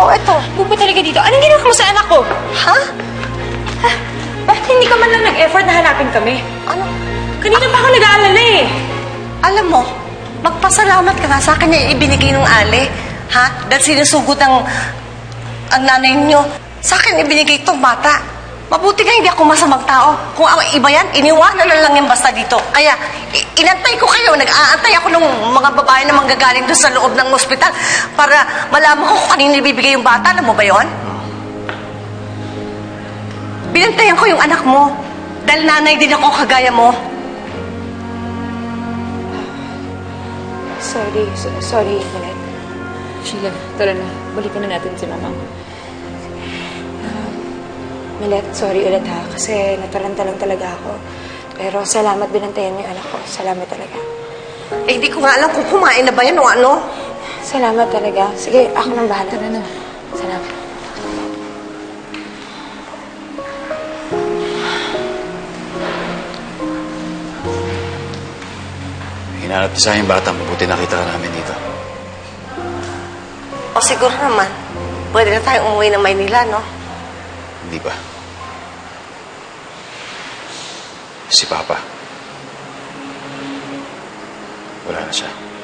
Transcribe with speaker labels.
Speaker 1: eto.
Speaker 2: Pupunta talaga dito. Anong ginawa mo sa anak ko?
Speaker 1: Ha?
Speaker 2: Bakit hindi ka man lang nag-effort na hanapin kami?
Speaker 1: Ano?
Speaker 2: Kanina pa ako nag-aalala eh.
Speaker 1: Alam mo, magpasalamat ka nga sa akin na ibinigay ng Ali. Ha? Dahil sinusugod ang nanay niyo. Sa akin ibinigay itong bata. Mabuti nga hindi ako masamang tao. Kung ang iba yan, iniwanan na lang yan basta dito. Kaya, inantay ko kayo. Nag-aantay ako ng mga babae na manggagaling doon sa loob ng ospital para malaman ko kung kanino ibibigay yung bata. Alam mo ba yon? Binantayan ko yung anak mo. Dahil nanay din ako kagaya mo.
Speaker 2: Sorry, Malet. Sheila, tara na. Balikan na natin si Mama. Malet, sorry ulit ha. Kasi nataranta lang talaga ako. Pero salamat binantayan niyo yung anak ko. Salamat talaga.
Speaker 1: Eh, hindi ko nga alam kung kumain na ba yan o ano.
Speaker 2: Salamat talaga. Sige, ako nang bahala. Tara na. Salamat.
Speaker 3: Hinanap niya sa aking bata, mabuti nakita ka namin dito.
Speaker 1: O siguro naman, pwede na tayong umuwi ng Maynila, no?
Speaker 3: Hindi ba? Si Papa. Wala na siya.